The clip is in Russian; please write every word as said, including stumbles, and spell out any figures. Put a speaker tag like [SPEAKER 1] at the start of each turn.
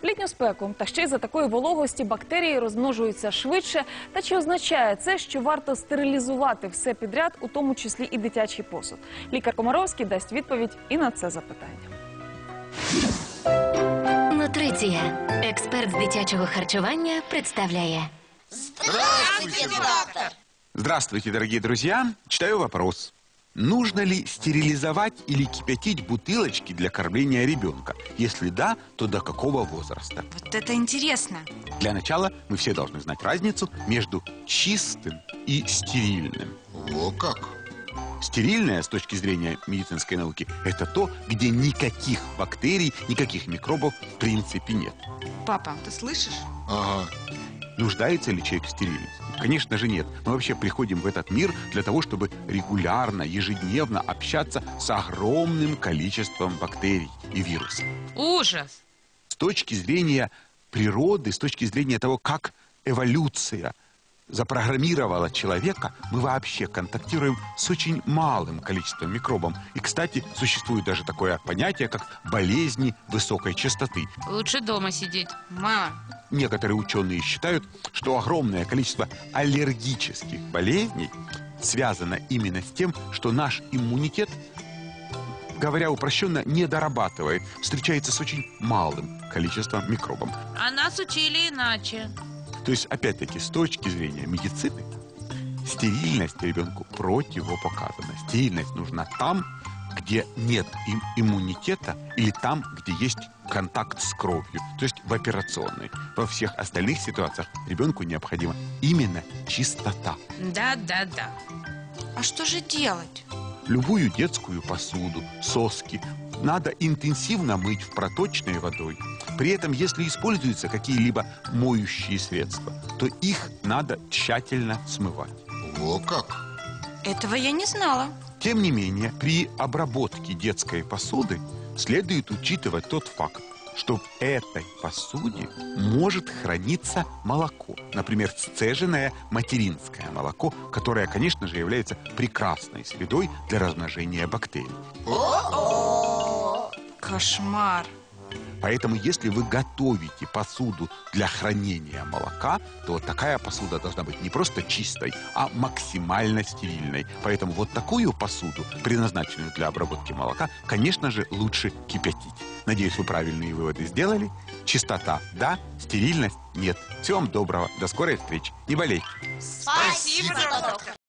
[SPEAKER 1] В літню спеку та ще й за такої вологості бактерії розмножуються швидше. Та чи означає це, що варто стерилізувати все підряд, у тому числі і дитячий посуд? Лікар Комаровський дасть відповідь і на це запитання.
[SPEAKER 2] Нутриція. Експерт з дитячого харчування представляє.
[SPEAKER 3] Здравствуйте, доктор!
[SPEAKER 4] Здравствуйте, дорогие друзья. Читаю вопрос. Нужно ли стерилизовать или кипятить бутылочки для кормления ребенка? Если да, то до какого возраста?
[SPEAKER 3] Вот это интересно.
[SPEAKER 4] Для начала мы все должны знать разницу между чистым и стерильным.
[SPEAKER 5] О, как?
[SPEAKER 4] Стерильное, с точки зрения медицинской науки, это то, где никаких бактерий, никаких микробов в принципе нет.
[SPEAKER 3] Папа, ты слышишь?
[SPEAKER 5] Ага.
[SPEAKER 4] Нуждается ли человек в стерильности? Конечно же нет. Мы вообще приходим в этот мир для того, чтобы регулярно, ежедневно общаться с огромным количеством бактерий и вирусов.
[SPEAKER 3] Ужас!
[SPEAKER 4] С точки зрения природы, с точки зрения того, как эволюция запрограммировала человека, мы вообще контактируем с очень малым количеством микробов. И, кстати, существует даже такое понятие, как болезни высокой частоты.
[SPEAKER 3] Лучше дома сидеть. Мама.
[SPEAKER 4] Некоторые ученые считают, что огромное количество аллергических болезней связано именно с тем, что наш иммунитет, говоря упрощенно, не дорабатывает, встречается с очень малым количеством микробов.
[SPEAKER 3] А нас учили иначе.
[SPEAKER 4] То есть, опять-таки, с точки зрения медицины, стерильность ребенку противопоказана. Стерильность нужна там, где нет им иммунитета, или там, где есть контакт с кровью, то есть в операционной. Во всех остальных ситуациях ребенку необходима именно чистота.
[SPEAKER 3] Да, да, да. А что же делать?
[SPEAKER 4] Любую детскую посуду, соски надо интенсивно мыть в проточной водой. При этом, если используются какие-либо моющие средства, то их надо тщательно смывать.
[SPEAKER 5] О, как?
[SPEAKER 3] Этого я не знала.
[SPEAKER 4] Тем не менее, при обработке детской посуды следует учитывать тот факт, что в этой посуде может храниться молоко. Например, сцеженное материнское молоко, которое, конечно же, является прекрасной средой для размножения бактерий.
[SPEAKER 3] Кошмар.
[SPEAKER 4] Поэтому, если вы готовите посуду для хранения молока, то вот такая посуда должна быть не просто чистой, а максимально стерильной. Поэтому вот такую посуду, предназначенную для обработки молока, конечно же, лучше кипятить. Надеюсь, вы правильные выводы сделали. Чистота – да, стерильность – нет. Всего вам доброго. До скорой встречи. Не болейте.
[SPEAKER 3] Спасибо, доктор.